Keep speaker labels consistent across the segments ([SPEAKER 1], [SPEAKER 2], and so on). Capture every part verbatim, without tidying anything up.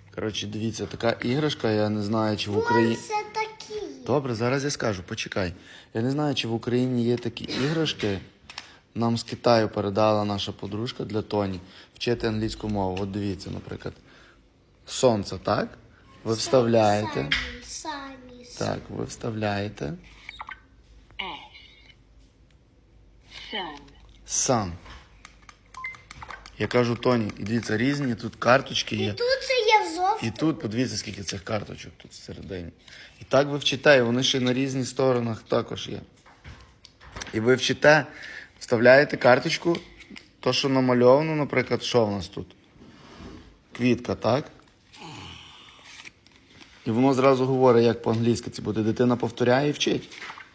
[SPEAKER 1] Коротше, дивіться, така іграшка, я не знаю, чи в Україні...
[SPEAKER 2] Це такі.
[SPEAKER 1] Добре, зараз я скажу, почекай. Я не знаю, чи в Україні є такі іграшки. Нам з Китаю передала наша подружка для Тоні вчити англійську мову. От дивіться, наприклад. Сонце, так? Ви вставляєте.
[SPEAKER 2] Самі, самі.
[SPEAKER 1] Так, ви вставляєте.
[SPEAKER 3] Sun.
[SPEAKER 1] Sun. Я кажу, Тоні, і дивіться, різні тут карточки є.
[SPEAKER 2] І тут це є зовсім.
[SPEAKER 1] І тут, подивіться, скільки цих карточок тут всередині. І так ви вчите, і вони ще на різних сторонах також є. І ви вчите, вставляєте карточку, то, що намальовано, наприклад, що в нас тут? Квітка, так? І воно зразу говорить, як по-англійськи це буде. Дитина повторяє і вчить.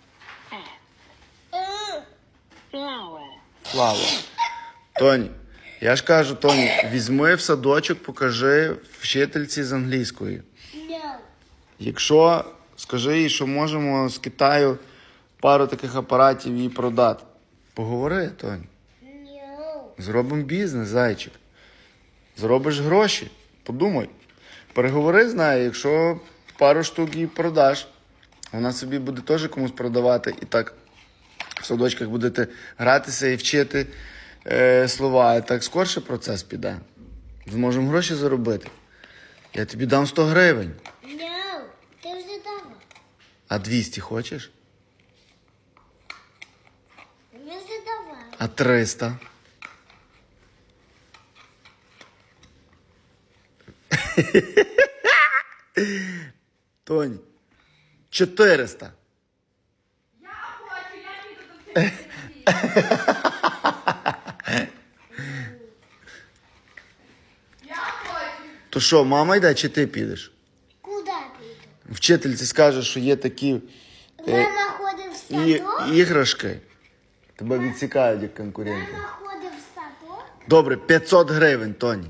[SPEAKER 3] Flower.
[SPEAKER 1] Flower. Тоні, я ж кажу, Тоні, візьми в садочок, покажи вчительці з англійської.
[SPEAKER 2] No.
[SPEAKER 1] Якщо, скажи їй, що можемо з Китаю пару таких апаратів їй продати. Поговори, Тоні.
[SPEAKER 2] No.
[SPEAKER 1] Зробимо бізнес, зайчик. Зробиш гроші. Подумай. Переговори з нею, якщо пару штук їй продаш, вона собі буде теж комусь продавати. І так в садочках будете гратися і вчити е, слова. І так скорше процес піде. Зможемо гроші заробити. Я тобі дам сто гривень.
[SPEAKER 2] No. Ти вже давав.
[SPEAKER 1] А двісті хочеш?
[SPEAKER 2] Ми вже давали.
[SPEAKER 1] А триста? Тонь, чотириста.
[SPEAKER 4] Я хочу, я піду до Я хочу.
[SPEAKER 1] То що, мама йде, чи ти підеш?
[SPEAKER 2] Куди піду?
[SPEAKER 1] Вчительці скаже, що є такі
[SPEAKER 2] Мама ходить в
[SPEAKER 1] і,
[SPEAKER 2] садок.
[SPEAKER 1] іграшки. Тебе відсікають як конкуренти.
[SPEAKER 2] Мама ходить в садок.
[SPEAKER 1] Добре, п'ятсот гривень, Тоні.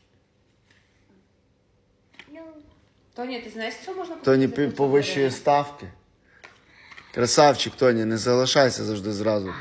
[SPEAKER 2] No.
[SPEAKER 4] Тоня, ти знаєш, що можна купити?
[SPEAKER 1] Тоні
[SPEAKER 4] за
[SPEAKER 1] пі-
[SPEAKER 4] п'ятсот
[SPEAKER 1] повищує
[SPEAKER 4] гривень?
[SPEAKER 1] ставки. Красавчик, Тоні, не залишайся завжди зразу.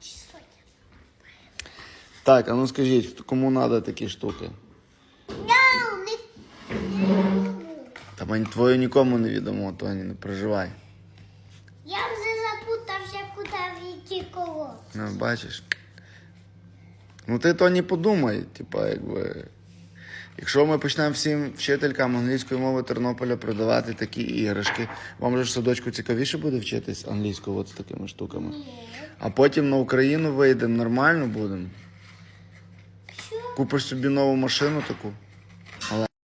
[SPEAKER 1] Так, а ну скажіть, кому треба такі штуки?
[SPEAKER 2] No, не...
[SPEAKER 1] Та ми твою нікому не відомо, Тоні, не переживай.
[SPEAKER 2] Я вже запутався, куди в які колоски.
[SPEAKER 1] Ну, бачиш. Ну ти, Тоні, подумай, типа, якби. Якщо ми почнемо всім вчителькам англійської мови Тернополя продавати такі іграшки, вам же ж в садочку цікавіше буде вчитись англійською от з такими штуками.
[SPEAKER 2] Ні.
[SPEAKER 1] А потім на Україну вийдемо, нормально будемо.
[SPEAKER 2] Що?
[SPEAKER 1] Купиш собі нову машину таку.